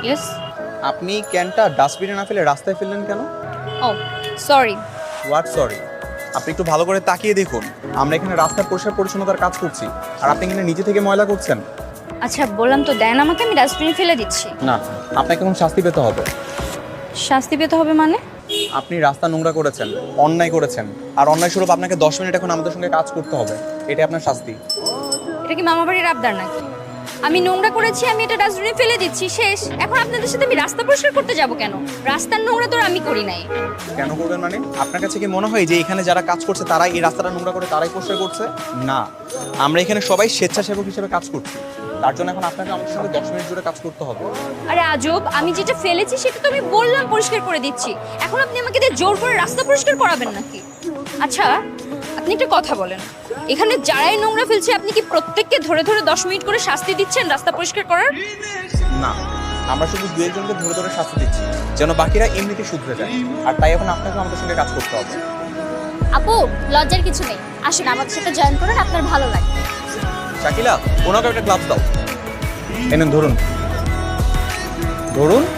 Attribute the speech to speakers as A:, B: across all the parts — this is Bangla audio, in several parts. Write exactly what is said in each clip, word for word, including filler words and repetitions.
A: ইয়েস।
B: আপনি ক্যানটা ডাস্টবিনে না ফেলে রাস্তায় ফেললেন কেন?
A: ও সরি।
B: What sorry? আপনি একটু ভালো করে তাকিয়ে দেখুন, আমরা এখানে রাস্তার পরিষ্কার পরিচ্ছন্নতার কাজ করছি আর আপনি এখানে নিজে থেকে ময়লা করছেন।
A: আচ্ছা বললাম তো দেন আমাকে, আমি ডাস্টবিনে ফেলে দিচ্ছি।
B: না, আপনাকে এখন শাস্তি পেতে হবে।
A: শাস্তি পেতে হবে মানে?
B: আপনি রাস্তা নোংরা করেছেন, অন্যায় করেছেন, আর অন্যায় স্বরূপ আপনাকে দশ মিনিট এখন আমাদের সঙ্গে কাজ করতে হবে। এটাই আপনার শাস্তি।
A: এটা কি মামা বাড়ির আবদার নাকি? আমি নোংরা করেছি, আমি এটা ডাস্টবিনে ফেলে দিচ্ছি, শেষ। এখন আপনাদের সাথে আমি রাস্তা পরিষ্কার করতে যাব কেন? রাস্তার নোংরা তো আর আমি করি নাই।
B: কেন করবেন মানে? আপনার কাছে কি মনে হয় যে এখানে যারা কাজ করছে তারাই এই রাস্তাটা নোংরা করে তারাই পরিষ্কার করছে? না, আমরা এখানে সবাই স্বেচ্ছাসেবক হিসেবে কাজ করছি। তার জন্য এখন আপনাকে আমাদের সঙ্গে দশ মিনিট জুড়ে কাজ করতে হবে।
A: আরে আজব, আমি যেটা ফেলেছি সেটা তো আমি বললাম পরিষ্কার করে দিচ্ছি। এখন আপনি আমাকে দিয়ে জোর করে রাস্তা পরিষ্কার করাবেন নাকি? আচ্ছা আপনি একটা কথা বলেন, এখানে যারাই নোংরা ফেলছে আপনি কি প্রত্যেককে ধরে ধরে দশ মিনিট করে শাস্তি দিচ্ছেন রাস্তা পরিষ্কার করার?
B: না, আমরা শুধু দু একজনকে ধরে ধরে শাস্তি দিচ্ছি যেন বাকিরা এমনিতে শুধরে যায়। আর তাই এখন আপনাকে আমাদের সঙ্গে কাজ করতে হবে।
C: আপু লজ্জার কিছু নেই, আসুন আমাদের সাথে জয়েন করুন, আপনার ভালো লাগবে।
B: শাকিলা, ওনাকে একটা গ্লাভস দাও। এনেন, ধরুন ধরুন,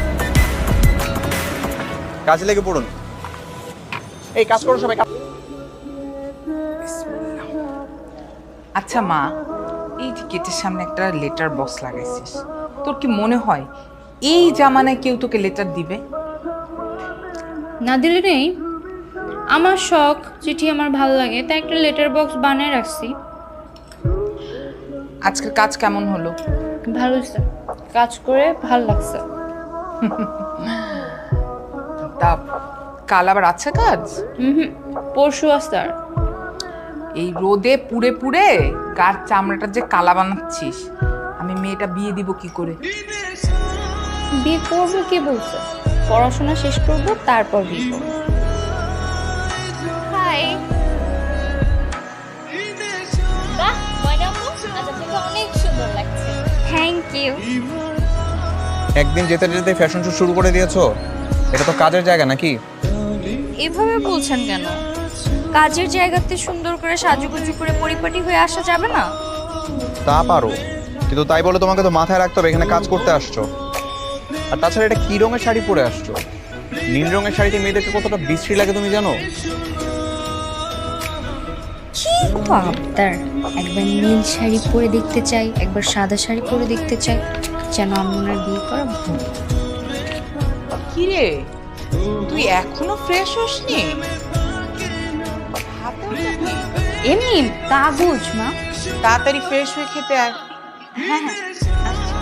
B: কাজে লেগে পড়ুন। এই কাজ করো সবাই।
D: আচ্ছা মা, এই যে গেটের সামনে একটা লেটার বক্স লাগাইছিস, তোর কি মনে হয় এই জামানায় কেউ তোকে লেটার দিবে?
A: না দিলে নেই, আমার শখ, চিঠি আমার ভালো লাগে তাই একটা লেটার বক্স বানিয়ে রাখছি।
D: আজকের কাজ কেমন হলো?
A: ভালো হয়েছে, কাজ করে ভালো লাগছে।
D: তা কাল আবার আছে কাজ?
A: হুম, পরশু আসতে। আর
D: এই রোদে পুড়ে পুড়ে গার চামড়াটা যে কালা বানাচ্ছিস, আমি মেয়েটা বিয়ে দিব কি করে?
A: বিয়ে করবো কে বলছে? পড়াশোনা শেষ করবো তারপর বিয়ে করবো।
C: হাই। বাহ ময়না আপু, আজ আপনাকে অনেক সুন্দর লাগছে।
A: Thank you.
B: একদিন যেতে যেতে ফ্যাশন শো শুরু করে দিয়েছো। এটা তো কাজের জায়গা নাকি?
A: এভাবে বলছেন কেন? কাজের জায়গাতে সুন্দর করে সাজুগুজু করে পরিপাটি হয়ে আসা যাবে না?
B: তা পারো, কিন্তু তাই বলে তোমাকে তো মাথায় রাখতে হবে এখানে কাজ করতে আসছো। আর তাছাড়া এটা কি রঙের শাড়ি পরে আসছো? নীল রঙের শাড়িতে মেয়েদেরকে কতটা বিশ্রী লাগে তুমি জানো?
A: কি আবদার! একবার নীল শাড়ি পরে দেখতে চাই, একবার সাদা শাড়ি পরে দেখতে চাই, যেন আমি ওনার বিয়ে করা ভুল।
D: কি রে, তুই এখনো ফ্রেশ হসনি? হাতে ওটা কি?
A: এমনি কাগজ মা।
D: তাড়াতাড়ি ফ্রেশ হয়ে খেতে আয়।
A: হ্যাঁ হ্যাঁ আচ্ছা।